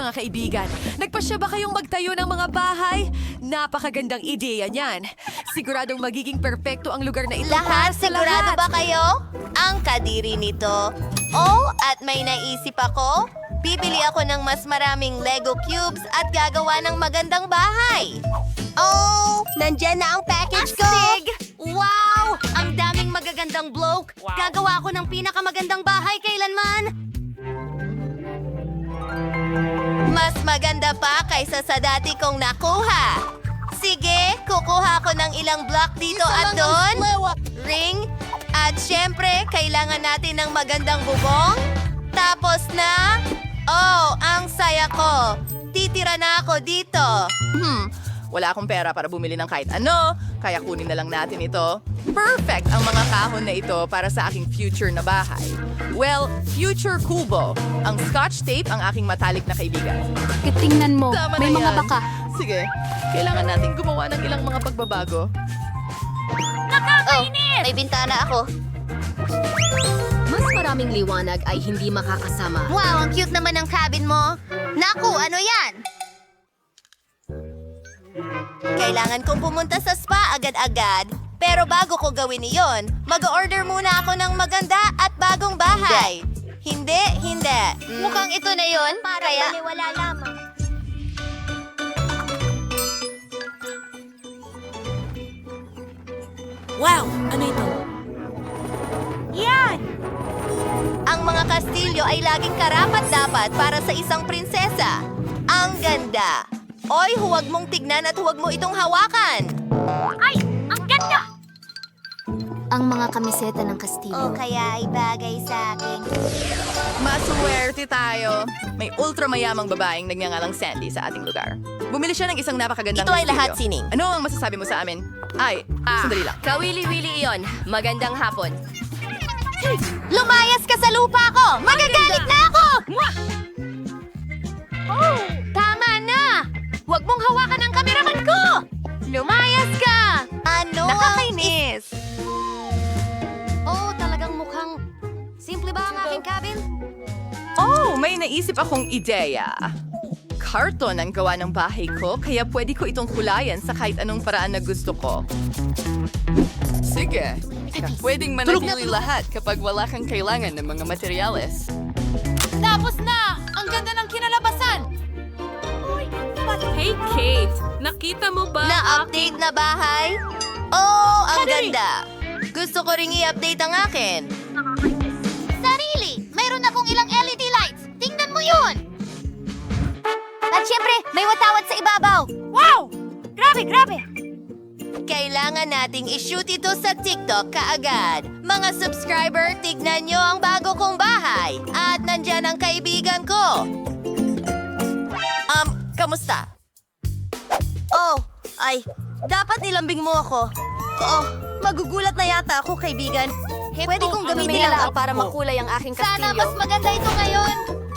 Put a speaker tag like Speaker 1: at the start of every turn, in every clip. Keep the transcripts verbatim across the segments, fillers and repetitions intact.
Speaker 1: mga kaibigan. Nagpasya ba kayong magtayo ng mga bahay? Napakagandang ideya niyan. Siguradong magiging perpekto ang lugar na ito para
Speaker 2: Lahat,
Speaker 1: sa
Speaker 2: sigurado
Speaker 1: lahat.
Speaker 2: ba kayo? Ang kadiri nito. Oh, at may naisip ako. Bibili ako ng mas maraming Lego cubes at gagawa ng magandang bahay. Oh, nandyan na ang package ko.
Speaker 3: Astig! Wow! Ang daming magagandang bloke. Gagawa ako ng pinakamagandang bahay kailanman.
Speaker 2: Mas maganda pa kaysa sa dati kong nakuha. Sige, kukuha ko ng ilang block dito at doon. Ring. At syempre, kailangan natin ng magandang bubong. Tapos na... Oh, ang saya ko. Titira na ako dito.
Speaker 4: Hmm, wala akong pera para bumili ng kahit ano, kaya kunin na lang natin ito. Perfect ang mga kahon na ito para sa aking future na bahay. Well, future kubo. Ang scotch tape ang aking matalik na kaibigan.
Speaker 3: Tingnan mo,
Speaker 4: Tama
Speaker 3: may
Speaker 4: na
Speaker 3: mga
Speaker 4: yan.
Speaker 3: baka.
Speaker 4: Sige, kailangan natin gumawa ng ilang mga pagbabago.
Speaker 2: Oh, may bintana ako.
Speaker 3: Mas maraming liwanag ay hindi makakasama.
Speaker 2: Wow, ang cute naman ng cabin mo. Naku, ano yan? Kailangan kong pumunta sa spa agad-agad. Pero bago ko gawin iyon, mag-order muna ako ng maganda at bagong bahay. Hindi, hindi. Mukhang ito na yon. Kaya... wala lamang.
Speaker 1: Wow! Ano ito? Yan!
Speaker 2: Ang mga kastilyo ay laging karapat-dapat para sa isang prinsesa. Ang ganda. Oy, huwag mong tignan at huwag mo itong hawakan.
Speaker 3: Ang mga kamiseta ng Kastilyo.
Speaker 2: O kaya ay bagay sa akin.
Speaker 4: Maswerte tayo. May ultramayamang babaeng nagngangalang Sandy sa ating lugar. Bumili siya ng isang napakagandang
Speaker 2: Ito ay
Speaker 4: kastilyo.
Speaker 2: lahat sining.
Speaker 4: Ano ang masasabi mo sa amin? Ay, sandali lang.
Speaker 3: Kawili-wili iyon. Magandang hapon.
Speaker 2: Lumayas ka sa lupa ko! Magagalit na ako!
Speaker 3: Oh, tama na! Huwag mong hawakan ang kameraman ko! Lumayas ka!
Speaker 2: Ano
Speaker 3: Nakakainis! Oh, talagang mukhang... Simple ba ang aking cabin?
Speaker 4: Oh, may naisip akong ideya. Karton ang gawa ng bahay ko, kaya pwede ko itong kulayan sa kahit anong paraan na gusto ko. Sige, pwedeng manatili lahat kapag wala kang kailangan ng mga materyales.
Speaker 1: Tapos na! Ang ganda ng kinalabasan!
Speaker 5: Hey, Kate! Nakita mo ba?
Speaker 2: Na-update na bahay? Oh, ang ganda! Gusto ko ring i-update ang akin.
Speaker 3: Sarili! Mayroon akong ilang L E D lights! Tingnan mo yun!
Speaker 2: At syempre, may watawat sa ibabaw.
Speaker 3: Wow! Grabe, grabe!
Speaker 2: Kailangan nating i-shoot ito sa TikTok kaagad. Mga subscriber, tignan nyo ang bago kong bahay. At nandyan ang kaibigan ko. Um, kamusta? Oh, ay, dapat nilambing mo ako. Oh, magugulat na yata ako, kaibigan. Pwede kong gamitin lang ang
Speaker 3: para makulay ang aking kastilyo.
Speaker 2: Sana mas maganda ito ngayon.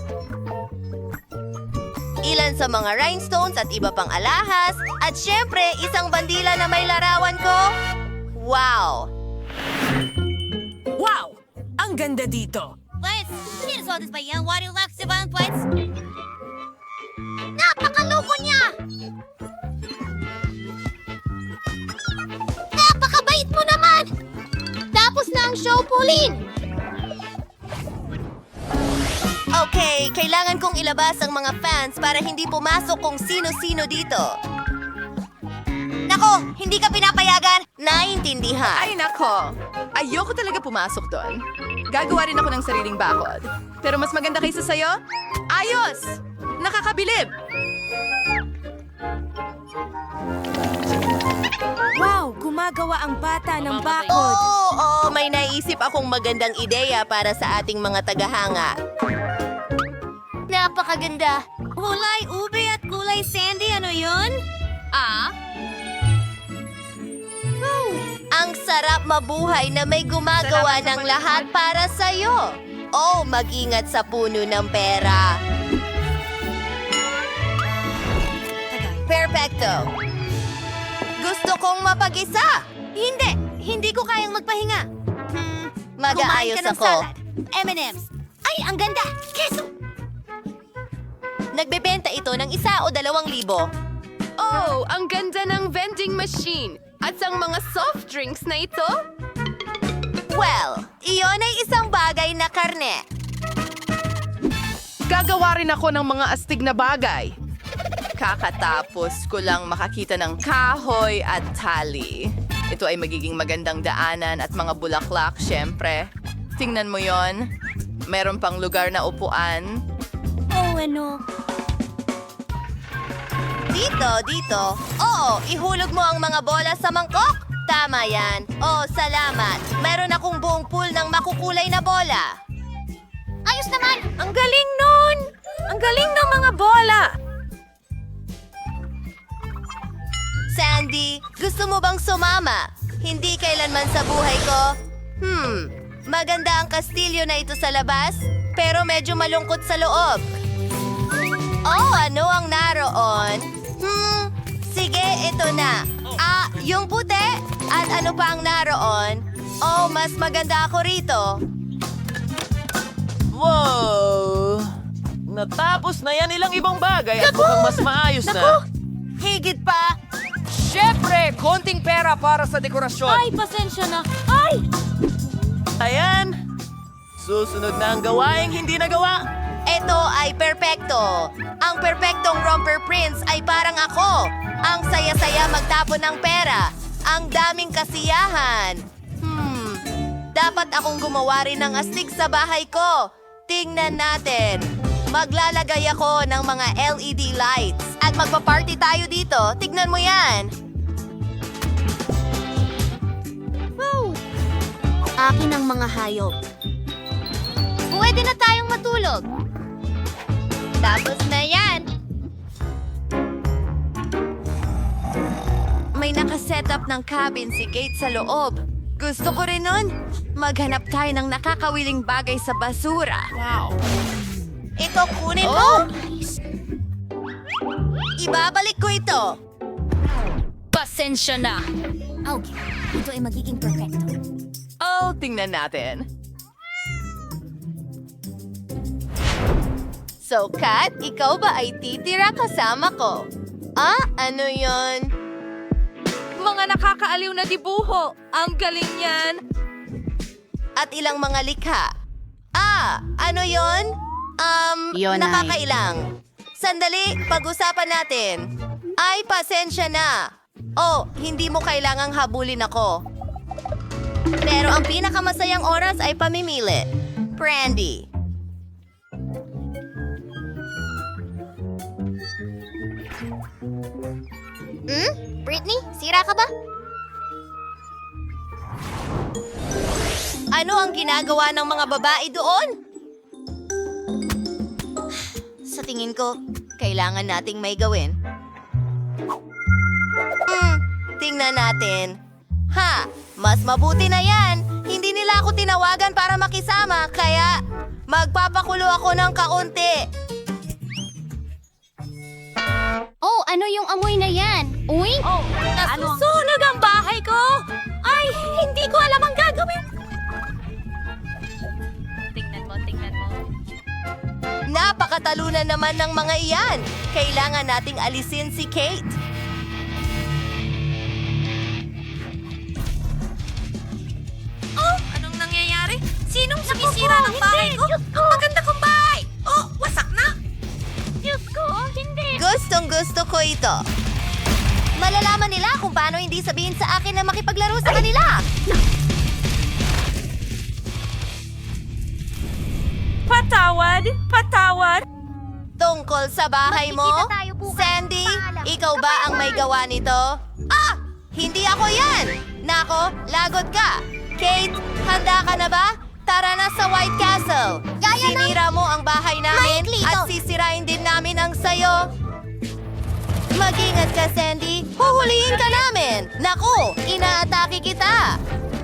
Speaker 2: Ilan sa mga rhinestones at iba pang alahas. At syempre, isang bandila na may larawan ko. Wow!
Speaker 1: Wow! Ang ganda dito!
Speaker 3: Let's here's all this by young water locks divine plates. Napakaloko niya! Napakabait mo naman! Tapos na ang show, Pauline!
Speaker 2: Okay, kailangan kong ilabas ang mga fans para hindi pumasok kung sino-sino dito. Nako, hindi ka pinapayagan. Naintindihan.
Speaker 4: Ay nako, ayoko talaga pumasok doon. Gagawa rin ako ng sariling bakod. Pero mas maganda kaysa sayo? Ayos! Nakakabilib!
Speaker 1: Wow! Gumagawa ang bata ng bakod!
Speaker 2: Oo, oh, may naisip akong magandang ideya para sa ating mga tagahanga.
Speaker 3: Napakaganda! Kulay ube at kulay sandy, ano yun? Ah?
Speaker 2: Ang sarap mabuhay na may gumagawa ng lahat para sa'yo. Oh, mag-ingat sa puno ng pera. Perfecto. Gusto kong mapag-isa.
Speaker 3: Hindi! Hindi ko kayang magpahinga. Hmm,
Speaker 2: Mag-aayos
Speaker 3: kumain ka ng
Speaker 2: ako.
Speaker 3: salad. M and M's. Ay, ang ganda! Keso!
Speaker 2: Nagbebenta ito ng isa o dalawang libo.
Speaker 5: Oh, ang ganda ng vending machine. At ang mga soft drinks na ito?
Speaker 2: Well, iyon ay isang bagay na karne.
Speaker 4: Gagawa rin ako ng mga astig na bagay. Kakatapos ko lang makakita ng kahoy at tali. Ito ay magiging magandang daanan at mga bulaklak, syempre. Tingnan mo yon. Meron pang lugar na upuan.
Speaker 3: Oh, ano?
Speaker 2: Dito, dito. Oo, ihulog mo ang mga bola sa mangkok. Tama yan. Oh, salamat. Meron akong buong pool ng makukulay na bola.
Speaker 3: Ayos naman!
Speaker 1: Ang galing nun! Ang galing ng mga bola!
Speaker 2: Sandy, gusto mo bang sumama? Hindi kailanman sa buhay ko. Hmm, maganda ang kastilyo na ito sa labas, pero medyo malungkot sa loob. Oh, ano ang naroon? Hmm, sige, ito na. Ah, yung puti? At ano pa ang naroon? Oh, mas maganda ako rito.
Speaker 6: Wow! Natapos na yan ilang ibang bagay at mukhang mas maayos na.
Speaker 2: Higit pa.
Speaker 6: Siyempre, konting pera para sa dekorasyon.
Speaker 3: Ay, pasensya na. Ay!
Speaker 6: Ayan! Susunod na ang gawaing hindi nagawa.
Speaker 2: Ito ay perpekto. Ang perpektong romper prince ay parang ako. Ang saya-saya magtapon ng pera. Ang daming kasiyahan. Hmm, dapat akong gumawa rin ng astig sa bahay ko. Tingnan natin. Maglalagay ako ng mga L E D lights. At magpa-party tayo dito. Tignan mo yan.
Speaker 3: Akin ang mga hayop. Pwede na tayong matulog.
Speaker 2: Tapos na yan. May nakasetup ng cabin si Kate sa loob. Gusto ko rin nun. Maghanap tayo ng nakakawiling bagay sa basura. Wow. Ito kunin mo. Ibabalik ko ito.
Speaker 3: Pasensya na. Okay, ito ay magiging perfecto.
Speaker 4: Oh, tingnan natin.
Speaker 2: So, Kat, ikaw ba ay titira kasama ko? Ah, ano yon?
Speaker 1: Mga nakakaaliw na dibuho. Ang galing yan.
Speaker 2: At ilang mga likha. Ah, ano yon? Um,
Speaker 3: Yun ay-
Speaker 2: nakakailang. Sandali, pag-usapan natin. Ay, pasensya na. Oh, hindi mo kailangang habulin ako. Pero ang pinakamasayang oras ay pamimili. Brandy.
Speaker 3: Hmm? Britney, sira ka ba?
Speaker 2: Ano ang ginagawa ng mga babae doon? Sa tingin ko, kailangan nating may gawin. Hmm, tingnan natin. Ha, mas mabuti na yan. Hindi nila ako tinawagan para makisama, kaya magpapakulo ako ng kaunti.
Speaker 3: Oh, ano yung amoy na yan? Uy! Oh,
Speaker 1: Nasusunog ang bahay ko! Ay, hindi ko alam ang gagawin.
Speaker 3: Tingnan mo, tingnan mo.
Speaker 2: Napakatalunan naman ng mga iyan. Kailangan nating alisin si Kate.
Speaker 1: Oh, anong nangyayari? Sinong sumisira ng bahay ko? Ang maganda kong bahay! Oh, wasak na!
Speaker 3: Diyos ko, hindi!
Speaker 2: Gustong gusto ko ito. Malalaman nila kung paano hindi sabihin sa akin na makipaglaro sa kanila.
Speaker 1: Patawad! Patawad!
Speaker 2: Tungkol sa bahay mo,
Speaker 3: Magkikita tayo bukas.
Speaker 2: Sandy,
Speaker 3: Paalam.
Speaker 2: ikaw ba ang may gawa nito? Ah! Hindi ako yan! Nako, lagot ka! Kate, handa ka na ba? Tara na sa White Castle! Sinira mo ang bahay namin
Speaker 3: Maikli
Speaker 2: at
Speaker 3: ito.
Speaker 2: sisirain din namin ang sayo. Mag-ingat ka, Sandy. Huhulihin ka namin. Naku, inaatake kita.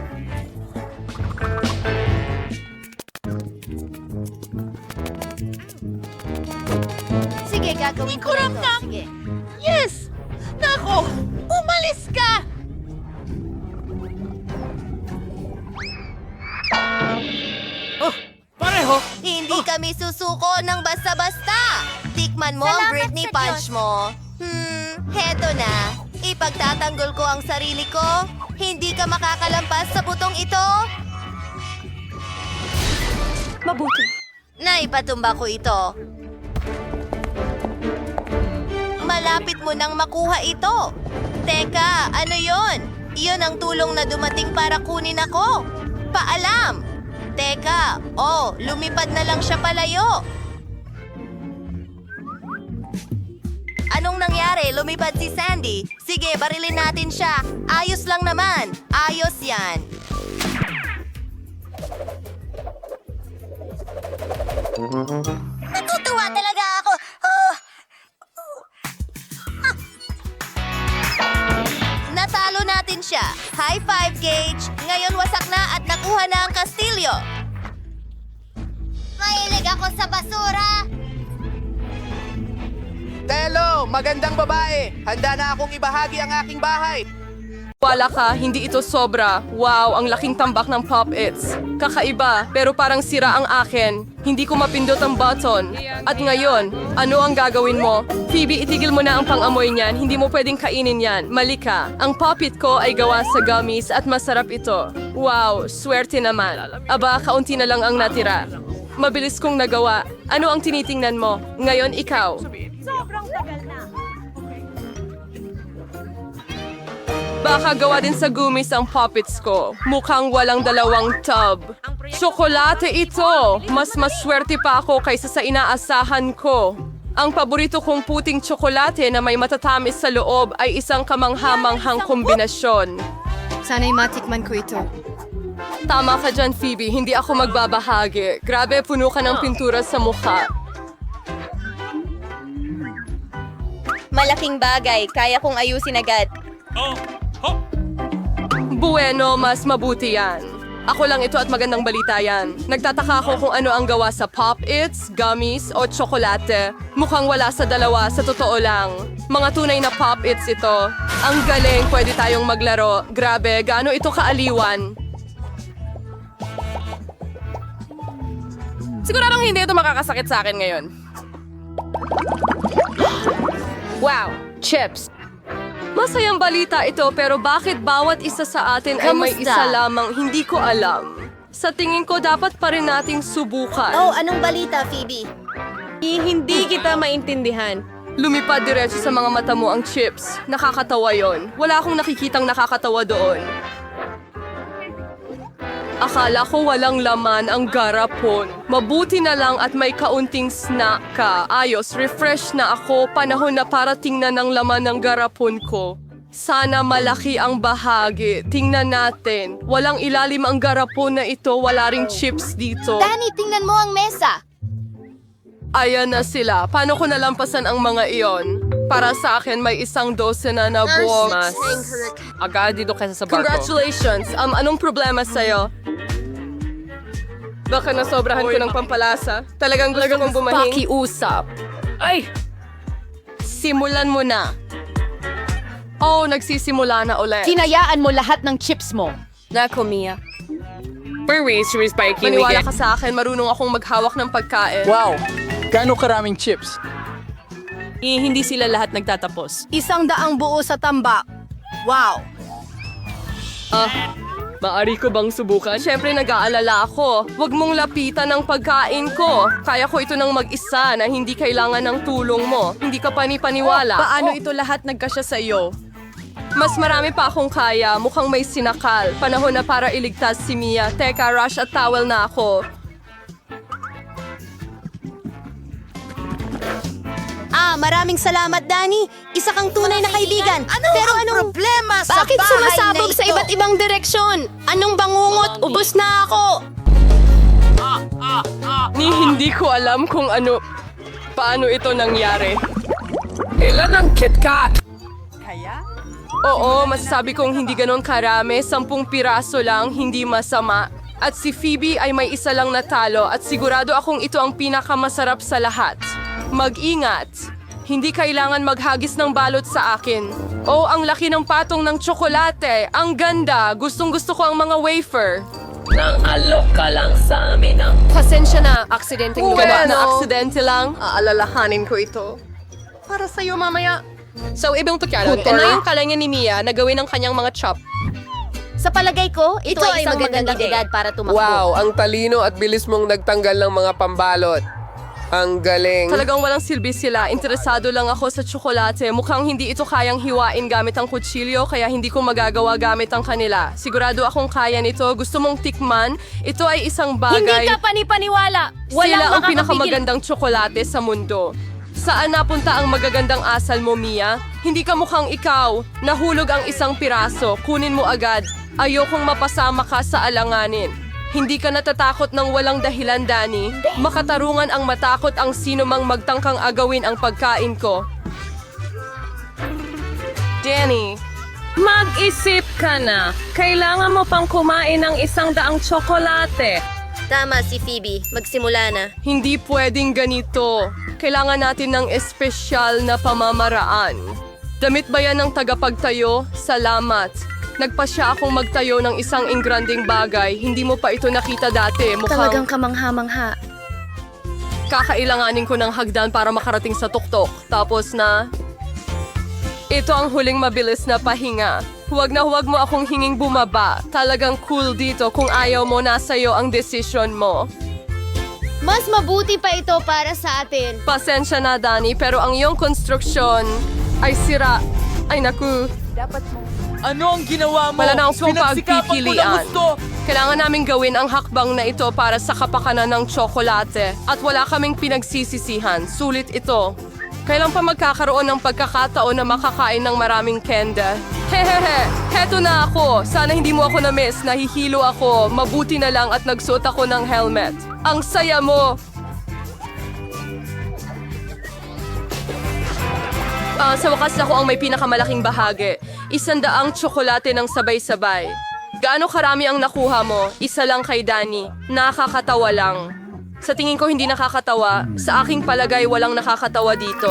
Speaker 2: Sige, gagawin ko rin to. Sige.
Speaker 4: Yes! Nako! Umalis ka!
Speaker 6: Oh, pareho!
Speaker 2: Hindi kami susuko ng basta-basta. Tikman Natikman mo ang
Speaker 3: Salamat
Speaker 2: Britney
Speaker 3: sa
Speaker 2: Punch mo. Hmm, heto na. Ipagtatanggol ko ang sarili ko. Hindi ka makakalampas sa butong ito.
Speaker 1: Mabuti.
Speaker 2: Naipatumba ko ito. Malapit mo nang makuha ito. Teka, ano yon? Iyon ang tulong na dumating para kunin ako. Paalam! Teka, oh, lumipad na lang siya palayo. Anong nangyari? Lumipad si Sandy. Sige, barilin natin siya. Ayos lang naman. Ayos yan.
Speaker 3: Natutuwa talaga ako. Oh.
Speaker 2: Natalo natin siya. High five, Gage. Ngayon wasak na at nakuha na ang kastilyo.
Speaker 3: Mahilig ako sa basura.
Speaker 7: Telo, magandang babae. Handa na akong ibahagi ang aking bahay.
Speaker 5: Wala ka, hindi ito sobra. Wow, ang laking tambak ng Pop-Its. Kakaiba, pero parang sira ang akin. Hindi ko mapindot ang button. At ngayon, ano ang gagawin mo? Phoebe, itigil mo na ang pang-amoy niyan. Hindi mo pwedeng kainin yan. Mali ka. Ang Pop-It ko ay gawa sa gummies at masarap ito. Wow, swerte naman. Aba, kaunti na lang ang natira. Mabilis kong nagawa. Ano ang tinitingnan mo? Ngayon, ikaw. Baka gawa din sa gumis ang puppets ko. Mukhang walang dalawang tub. Tsokolate ito! Mas maswerte pa ako kaysa sa inaasahan ko. Ang paborito kong puting tsokolate na may matatamis sa loob ay isang kamanghamanghang kombinasyon.
Speaker 1: Sana'y matikman ko ito.
Speaker 5: Tama ka dyan, Phoebe. Hindi ako magbabahagi. Grabe, puno ka ng pintura sa mukha.
Speaker 2: Malaking bagay. Kaya kong ayusin agad.
Speaker 5: Bueno, mas mabuti yan. Ako lang ito at magandang balita yan. Nagtataka ako kung ano ang gawa sa Pop-Its, gummies o tsokolate. Mukhang wala sa dalawa, sa totoo lang. Mga tunay na Pop-Its ito. Ang galing, pwede tayong maglaro. Grabe, gaano ito kaaliwan. Siguradong hindi ito makakasakit sa akin ngayon. Wow, chips. Masayang balita ito pero bakit bawat isa sa atin ay may
Speaker 3: Kamusta?
Speaker 5: isa lamang hindi ko alam. Sa tingin ko dapat pa rin nating subukan.
Speaker 3: Oh, anong balita, Phoebe?
Speaker 5: Hindi kita maintindihan. Lumipad diretso sa mga mata mo ang chips. Nakakatawa yon. Wala akong nakikitang nakakatawa doon. Akala ko walang laman ang garapon. Mabuti na lang at may kaunting snack ka. Ayos, refresh na ako. Panahon na para tingnan ang laman ng garapon ko. Sana malaki ang bahagi. Tingnan natin. Walang ilalim ang garapon na ito. Wala ring chips dito.
Speaker 3: Danny, tingnan mo ang mesa.
Speaker 5: Ayan na sila. Paano ko nalampasan ang mga iyon? Para sa akin, may isang dosena na box.
Speaker 6: Agad dito kaysa sa barko.
Speaker 5: Congratulations! Um, anong problema sa'yo? Baka nasobrahan ko ng pampalasa. Talagang gusto kong bumahing. Pakiusap. Ay! Simulan mo na. Oh, nagsisimula na ulit.
Speaker 1: Hinayaan mo lahat ng chips mo.
Speaker 5: Nako, Mia.
Speaker 6: Spiking
Speaker 5: Maniwala ka sa akin, marunong akong maghawak ng pagkain.
Speaker 7: Wow, gaano karaming chips?
Speaker 5: Eh, hindi sila lahat nagtatapos.
Speaker 1: Isang daang buo sa tambak. Wow!
Speaker 5: Ah, maari ko bang subukan? Siyempre nag-aalala ako. Huwag mong lapitan ang pagkain ko. Kaya ko ito ng mag-isa na hindi kailangan ng tulong mo. Hindi ka pani-paniwala.
Speaker 1: Paano ito lahat nagkasya sa iyo?
Speaker 5: Mas marami pa akong kaya. Mukhang may sinakal. Panahon na para iligtas si Mia. Teka, rush at towel na ako.
Speaker 3: Ah, maraming salamat, Danny. Isa kang tunay na kaibigan. Pero anong
Speaker 2: problema
Speaker 3: Bakit sumasabog sa iba't ibang direksyon? Anong bangungot? Ubus na ako.
Speaker 5: Ni hindi ko alam kung ano... Paano ito nangyari.
Speaker 6: Ilan ang KitKat?
Speaker 5: Oo, masasabi kong hindi ganon karami. Sampung piraso lang, hindi masama. At si Phoebe ay may isa lang natalo at sigurado akong ito ang pinakamasarap sa lahat. Mag-ingat. Hindi kailangan maghagis ng balot sa akin. Oh, ang laki ng patong ng tsokolate. Ang ganda. Gustong gusto ko ang mga wafer. Pasensya na, aksidenteng
Speaker 1: Well,
Speaker 5: gawa na
Speaker 1: no.
Speaker 5: aksidente lang. Aalalahanin ko ito. Para sa'yo mamaya. So, ibang tukyanan, ito na yung kalanya ni Mia na gawin ang kanyang mga chop.
Speaker 3: Sa palagay ko, ito,
Speaker 2: Ito
Speaker 3: ay
Speaker 2: ay
Speaker 3: isang
Speaker 2: magandang
Speaker 3: magandang
Speaker 2: ideya.
Speaker 3: edad para tumakbo.
Speaker 8: Wow, ang talino at bilis mong nagtanggal ng mga pambalot. Ang galing.
Speaker 5: Talagang walang silbi sila. Interesado lang ako sa tsokolate. Mukhang hindi ito kayang hiwain gamit ang kutsilyo, kaya hindi ko magagawa gamit ang kanila. Sigurado akong kaya nito. Gusto mong tikman? Ito ay isang bagay.
Speaker 3: Hindi ka panipaniwala. Walang
Speaker 5: Sila ang
Speaker 3: makakapigil.
Speaker 5: pinakamagandang tsokolate sa mundo. Saan napunta ang magagandang asal mo, Mia? Hindi ka mukhang ikaw. Nahulog ang isang piraso. Kunin mo agad. Ayokong mapasama ka sa alanganin. Hindi ka natatakot ng walang dahilan, Danny. Makatarungan ang matakot ang sino mang magtangkang agawin ang pagkain ko. Danny,
Speaker 9: Mag-isip ka na. Kailangan mo pang kumain ng isang daang tsokolate.
Speaker 2: Tama si Phoebe. Magsimula na.
Speaker 5: hindi pwedeng ganito. Kailangan natin ng espesyal na pamamaraan. Damit ba yan ng tagapagtayo? Salamat. Nagpasya akong magtayo ng isang ingranding bagay. Hindi mo pa ito nakita dati. Mukhang
Speaker 3: kamangha-mangha.
Speaker 5: kakailanganin ko ng hagdan para makarating sa tuktok. Tapos na... Ito ang huling mabilis na pahinga. Huwag na huwag mo akong hinging bumaba. Talagang cool dito kung ayaw mo nasa'yo ang desisyon mo.
Speaker 3: Mas mabuti pa ito para sa atin.
Speaker 5: Pasensya na, Danny, pero ang iyong konstruksyon ay sira. Ay, naku.
Speaker 6: Ano ang ginawa mo?
Speaker 5: Wala na akong
Speaker 6: Pinagsikapan ko na
Speaker 5: pagpipilian.
Speaker 6: gusto.
Speaker 5: Kailangan namin gawin ang hakbang na ito para sa kapakanan ng tsokolate. At wala kaming pinagsisisihan. Sulit ito. Kailan pa magkakaroon ng pagkakataon na makakain ng maraming kenda? Hehehe, heto na ako. Sana hindi mo ako na-miss. Nahihilo ako. Mabuti na lang at nagsuot ako ng helmet. Ang saya mo! Ah, sa wakas ako ang may pinakamalaking bahagi. Isandaang tsokolate ng sabay-sabay. Gaano karami ang nakuha mo? Isa lang kay Danny. Nakakatawa lang. Sa tingin ko hindi nakakatawa. Sa aking palagay walang nakakatawa dito.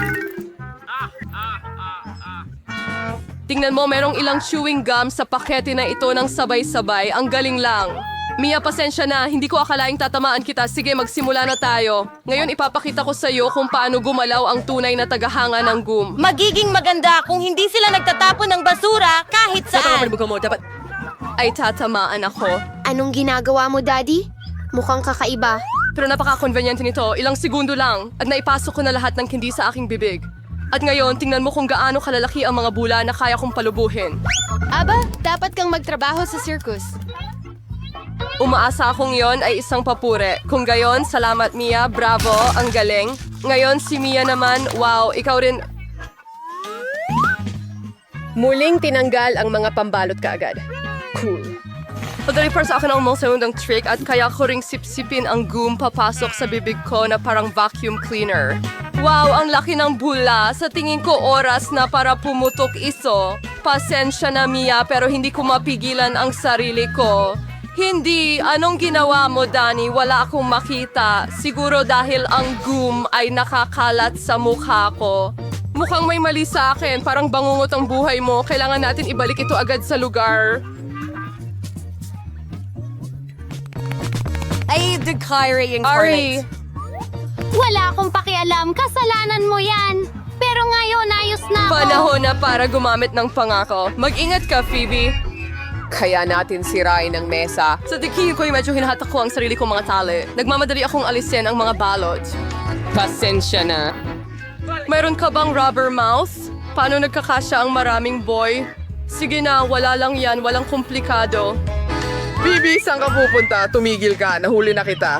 Speaker 5: Tingnan mo, merong ilang chewing gum sa pakete na ito ng sabay-sabay. Ang galing lang. Mia, pasensya na. Hindi ko akalaing tatamaan kita. Sige, magsimula na tayo. Ngayon ipapakita ko sa iyo kung paano gumalaw ang tunay na tagahanga ng gum.
Speaker 2: Magiging maganda kung hindi sila nagtatapon ng basura kahit saan.
Speaker 5: mo, dapat... Ay, tatamaan ako.
Speaker 3: Anong ginagawa mo, Daddy? Mukhang kakaiba.
Speaker 5: Pero napaka-convenient nito. Ilang segundo lang. At naipasok ko na lahat ng kindi sa aking bibig. At ngayon, tingnan mo kung gaano kalalaki ang mga bula na kaya kong palubuhin.
Speaker 3: Aba, dapat kang magtrabaho sa circus.
Speaker 5: Umaasa akong yon ay isang papure. Kung gayon, salamat Mia, bravo, ang galing. Ngayon si Mia naman, wow, ikaw rin... Muling tinanggal ang mga pambalot kaagad. Cool. Padali para sa akin ang mga segundang trick at kaya ko ring sipsipin ang gum papasok sa bibig ko na parang vacuum cleaner. Wow, ang laki ng bula. Sa tingin ko oras na para pumutok iso. Pasensya na Mia pero hindi ko mapigilan ang sarili ko. Hindi. Anong ginawa mo, Danny? Wala akong makita. Siguro dahil ang gum ay nakakalat sa mukha ko. Mukhang may mali sa akin. Parang bangungot ang buhay mo. Kailangan natin ibalik ito agad sa lugar.
Speaker 1: Ay, the Kyrie
Speaker 5: Ari,
Speaker 1: incarnate.
Speaker 3: Wala akong pakialam. Kasalanan mo yan. Pero ngayon, ayos na ako.
Speaker 5: panahon na para gumamit ng pangako. Mag-ingat ka, Phoebe.
Speaker 8: Kaya natin sirain ang mesa.
Speaker 5: Sa tingin ko'y medyo hinahatak ko ang sarili kong mga tali. Nagmamadali akong alisin ang mga balot.
Speaker 8: Pasensya na.
Speaker 5: Mayroon ka bang rubber mouth? Paano nagkakasya ang maraming boy? Sige na, wala lang yan. Walang komplikado.
Speaker 7: Bibi, saan ka pupunta? Tumigil ka. Nahuli na kita.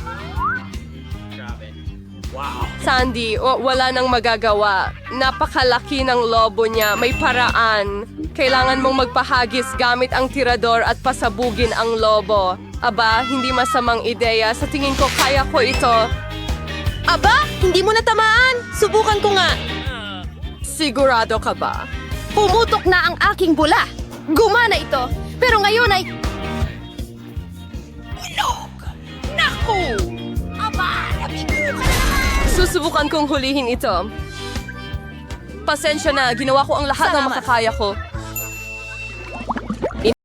Speaker 5: Sandy, wa- wala nang magagawa. Napakalaki ng lobo niya. May paraan. Kailangan mong magpahagis gamit ang tirador at pasabugin ang lobo. Aba, hindi masamang ideya. Sa tingin ko, kaya ko ito.
Speaker 2: Aba, hindi mo natamaan. Subukan ko nga.
Speaker 5: Sigurado ka ba?
Speaker 3: Pumutok na ang aking bula. Gumana ito. Pero ngayon ay...
Speaker 5: Susubukan kong hulihin ito. Pasensya na, ginawa ko ang lahat ng makakaya ko.